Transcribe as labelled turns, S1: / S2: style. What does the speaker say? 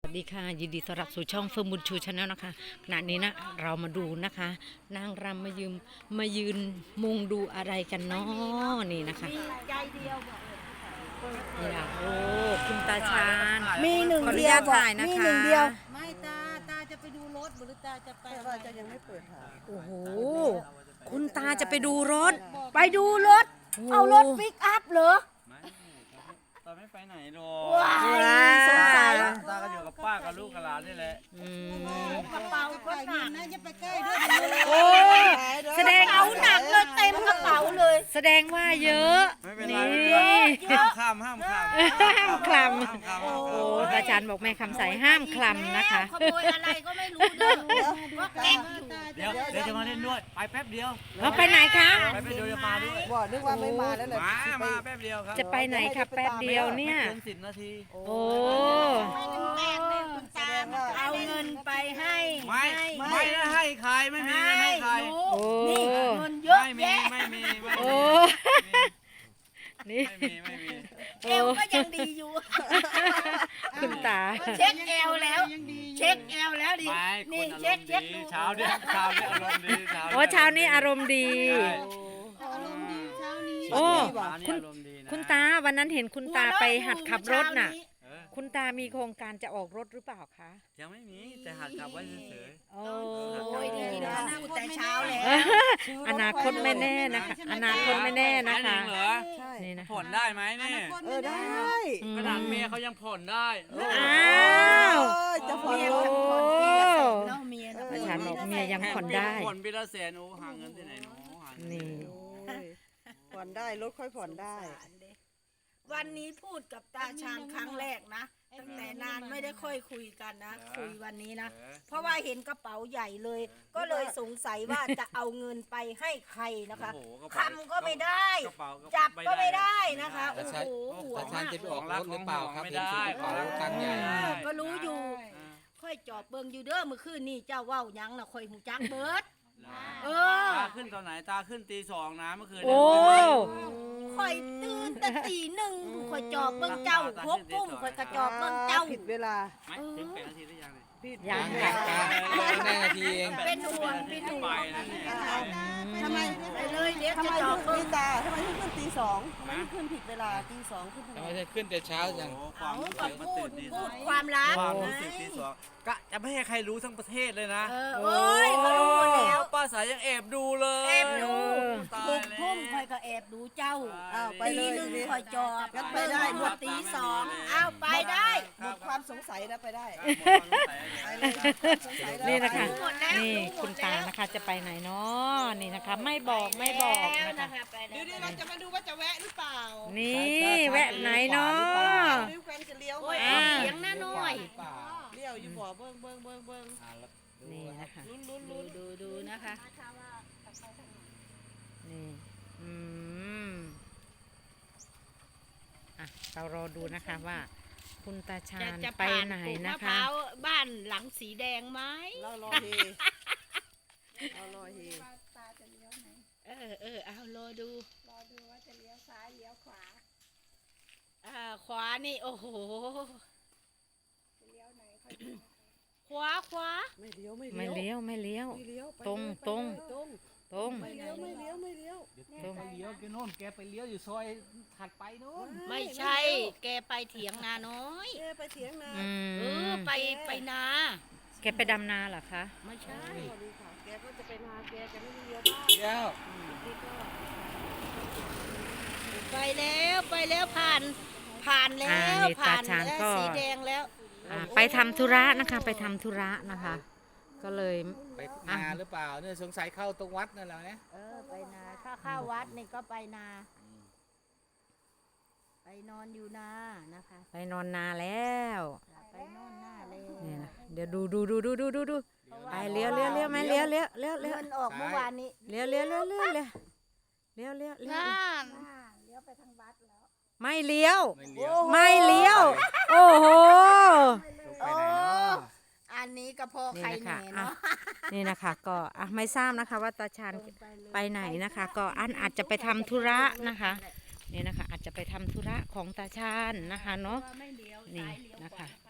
S1: วัสดีค่ะยินดีต้อนรับสู่ช่องเฟิร์มบุญชูชาแนลนะคะขณะนี้นะเรามาดูนะคะนางรำมายืนมุงดูอะไรกันเนาะนี่นะคะนี่นะโอ้คุณตาชาญ
S2: มีหนึ่ง
S1: ขออนุ
S2: เดีย
S1: ญาว ต
S2: บอก
S1: ถ่ายนะ
S2: มี
S1: คะ
S2: หนึ่งเดียว
S3: ไม่ตาจะไปดูรถหรือตาจะไป
S2: แต่ว่าจะยังไม่เปิดหา
S1: โอ้โหคุณตาจะไปดูรถ
S2: ไปดูรถ เอารถปิกอัพเหรอ
S4: ตาไม่ไปไหนหรอ
S2: ว้ายสงสัย
S4: ตาก็อยู่กับป้ากับลูกกับหลานนี่แหละ
S3: กระเป๋าก็หนักนะจะไปใกล้ด้วย
S1: โอ้แสดง
S2: เอาหนักเลยเต็มกระเป๋าเลย
S1: แสดงว่าเยอะ
S4: ไม่เป็นไร
S1: นี่
S4: ไม่เป็นไรห้ามข้ามห้ามข้าม
S1: ห้ามคล
S4: ห้ามข้าม
S1: ำโอ้ตาชาญบอกแม่คำใสห้ามคลำนะคะ
S3: ขโมยอะไรก็ไม่รู้เด้อว่าแก๊งอยู่
S4: เดี๋ยวจะมาเล่นด้วยไปแป๊บเดียว
S1: เราไปไหนคะ
S4: ไปแป๊บเดียวจะมาด้วย
S2: บอกนึกว่าไม่มาแล้วแหละ
S4: มาแป๊บเดียวครับ
S1: จะไปไหนคะแป๊บเดียวเนี่ย
S4: เกิน10 นาที
S1: โอ้
S2: แสดงว่า
S3: เอาเงินไปให้
S4: ไม่ได้ให้ใครไม่มีไม่ให้ใคร
S1: โอ้
S3: นี่เงินเยอะ
S4: ไม่มี
S3: แยะ
S4: ไม่มีไม่
S1: โอ้
S4: มี
S1: นี่
S4: ไม่มี
S3: เอวก็ยังดีอยู่
S1: คุณตา
S3: เช็คเอวแล้ว เช็คเอวแล้วดิ
S4: ไม่
S3: นี่
S4: คน
S3: เช็ค
S4: อารมณ์
S3: ดู
S4: ดีเช้าเนี่ยอารมณ์ดี
S1: โอ้เช้านี้อารมณ์ดี
S3: อารมณ์ดีเช้านี้
S1: โอ้
S4: เช้านี้อารมณ์ดีนะ
S1: คุณตาวันนั้นเห็นคุณตาไปหัดขับรถน่ะ
S4: เออ
S1: คุณตามีโครงการจะออกรถหรือเปล่าคะ
S4: ยังไม่มีแต่หัดขับไว้เฉย
S1: โอ้
S3: โอ้ยดีนะพูดแต่เช้าแล้ว
S1: อนาคตไม่แน่นะคะ อนาคตไม่แน่
S4: ๆ
S1: นะคะ
S4: จริงเหรอ
S2: ใช่
S1: นี่นะคะ
S4: ผ่อนได้ไหมเนี่ย
S2: ได้
S1: อืม
S4: ขนาดเมียเขายังผ่อนได้
S1: อ้าว
S2: จะผ่อน
S1: โอ้
S2: รถ
S3: เนาะเมียนะ
S1: ตาชาญบอกเมียยังผ่อนได้
S4: ผ่อนปีละแสนโอ้หาเงินที่ไหนเนาะหาเงิน
S1: นี่
S2: โอ้ยผ่อนได้รถค่อยผ่อนได้
S3: วันนี้พูดกับตาชาญครั้งแรกนะตั้งแต่นานไม่ได้ค่อยคุยกันนะ คุยวันนี้นะ เพราะว่าเห็นกระเป๋าใหญ่เลย ก็เลยสงสัยว่าจะเอาเงินไปให้ใครนะคะ
S4: โอ้โห
S3: คำก็ไม่ได้
S4: กระเป๋า
S3: จับก็ไม่ได้นะคะ
S4: ไม่
S3: โอ้
S4: ได้
S3: โหห่ว
S5: ตาง ชาญ
S3: มาก
S5: จะไปออกรถหรือเปล่าครับ
S4: ไม่
S5: เห็น
S4: ได้
S5: ถือกระเป๋าตังค์ใหญ่
S3: ก็รู้อยู่ ค่อยจอบเบิ่งอยู่เด้อเมื่อคืนนี่เจ้าเว้าหยังนะค่อยหูจักเบิด เออ
S4: ตาขึ้นตอนไหนตาขึ้นตี 2นะเมื่อคืน
S1: โอ้
S3: ค่อยตื่นแต่ตีหนึ่งค่อยจอบเบิ่งเจ้าหกทุ่มค่อยกระจอบเบิ่งเจ้า
S2: ผิดเวลา
S4: ไม่ถึง8 นาทีหรือยังเนี่ย
S2: ผิด
S1: ยัง
S5: กลั
S1: ค่ะ
S5: บกันได้นาทีเอง
S3: เป็นห่วงเป็นห่ว
S4: ไป
S3: ง
S4: นะเนี่ย
S2: ทำไม
S3: ไปเลยเดี๋ยว
S2: ทำ
S3: จะ
S2: ไม
S3: จอบ
S2: ขึ้
S3: เบิ่
S2: น
S3: ง
S2: ตาทำไมขึ้นตีสองทำไมขึ้นผิดเวลาตีสองขึ้นทำ
S5: ทำ
S2: ไม
S5: ไมจะขึ้นแต่เช้าจัง
S4: โอ้ความ
S3: เอา
S4: รู้
S3: ก็
S4: สึกมัน
S3: พู
S4: ตื่
S3: ด
S4: นตี
S3: พูด
S4: 2
S3: ความลับ
S4: ความรู้สึกตี 2กะจะไม่ให้ใครรู้ทั้งประเทศเลยนะ
S3: เออโอ้ยเขารู้หมดแล้ว
S4: ป้าสายยังแอบดูเลย
S3: แอบดู
S4: ตาย
S3: หก
S4: แล้ว
S3: ทุ่มค่อยก็แอบดูเจ้า
S2: อ้าวไป
S3: ตี
S2: เลย
S3: หนึ่ง
S2: ทีนี้
S3: ค่อยจอบ
S2: งั้นไป
S3: เบิ่ง
S2: ได้
S3: หมดตีสองเอาไปได้
S2: หมดความสงสัยนะไปได้
S4: ไปเลย
S2: สงสัยแล้ว
S1: นี่นะคะ
S3: รู้หมดแล้ว
S1: นี่
S3: รู้หมด
S1: คุณตา
S3: แล้ว
S1: นะคะจะไปไหนเนาะนี่นะคะ ไม่บอกนะคะ
S2: เดี๋ยวเราจะมาดูว่าจะแวะหรือเปล่า
S1: นี่แวะไหนเนาะ
S2: หรือแฟนจะเลี้ยว
S3: โอ้ย
S1: อ่า
S3: เสียงหน้าน้อย
S2: เลี้ยวอยู่บ่เบิ้งเบิ้งเบิ้งเบิ้ง
S1: นี่นะคะ
S3: ดูนะคะ
S1: นี่อืมอ่ะเรารอดูนะคะว่า คุณตาชาญ
S3: จะ
S1: ไป
S3: ผ่าน
S1: ไหน
S3: ปลูก
S1: นะ
S3: มะพ
S1: คะ
S3: ร้าวบ้านหลังสีแดงไหม
S2: เรารอเฮเรารอเฮ
S3: เอารอดูว่าจะเลี้ยวซ้ายเลี้ยวขวาขวานี่โอ้โหขวา
S2: ไม่เลี้ยวไม่
S1: ไม่
S2: เลี้ยว
S1: เลี้ยว
S2: ไม่เลี้ยวไป
S1: ตรง
S2: เลย
S1: ตรง
S2: ไปเลยตรง
S1: ตรง
S2: ไม่เลี้ยวไม่เลี้ยวไม่เลี้ยว
S1: ตรง
S5: ไปเลี้ยวแกโน่นแกไปเลี้ยวอยู่ซอยถัดไปโน่น
S3: ไม่ใช่ แกไปเถียงนาน้อย
S2: เอ๊ะไปเถียงนา
S1: อื
S3: เออ
S1: ม
S3: ไปนา
S1: แกไปดำนาเหรอคะ
S3: ไม่ใช่
S2: สวัสดีค่ะแกก็จะไปนาแกจะไม่ได้เลี้ยวบ้าน
S5: เลี้ยว
S3: ไปแล้วผ่านแล้ว
S1: นี่
S3: ผ่าน
S1: ตาชาญ
S3: แล้ว
S1: ก็
S3: สีแดงแล้ว
S1: ไปทำธุระนะคะ ไปทำธุระนะคะ ก็เลย
S5: ไปนาหรือเปล่าเนี่ยสงสัยเข้าตรงวัดนั่นแหละนะ
S3: ไปนาถ้าเข้าวัดนี่ก็ไปนา ไปนอนอยู่นานะคะ
S1: ไปนอนนาแล้ว
S3: ไปนอนหน้าเลย
S1: นี่นะเดี๋ยวดูไปเลี้ยวไหมเลี้ยว
S3: เงินออกเมื่อวานนี้
S1: เลี้ยวไม่เลี้ยว
S5: ไม่เลี้ยว
S1: ไม่เลี้ยว โอ้โห
S5: ไปไหนเนาะ
S3: อันนี้ก็พอ
S1: นี่
S3: ใคร
S1: นะ
S3: แหน่
S1: คะ
S3: เนาะ
S1: นี่นะคะก็ไม่ทราบนะคะว่าตาชาญไปไหนนะคะ ก็อาจจะไปทำธุระนะคะ นี่นะคะ อาจจะไปทำธุระของตาชาญนะคะเนาะ
S3: ไม่เลี้ยว
S1: นี่
S3: ซ้ายเลี้ยว
S1: นะคะ
S3: ขวา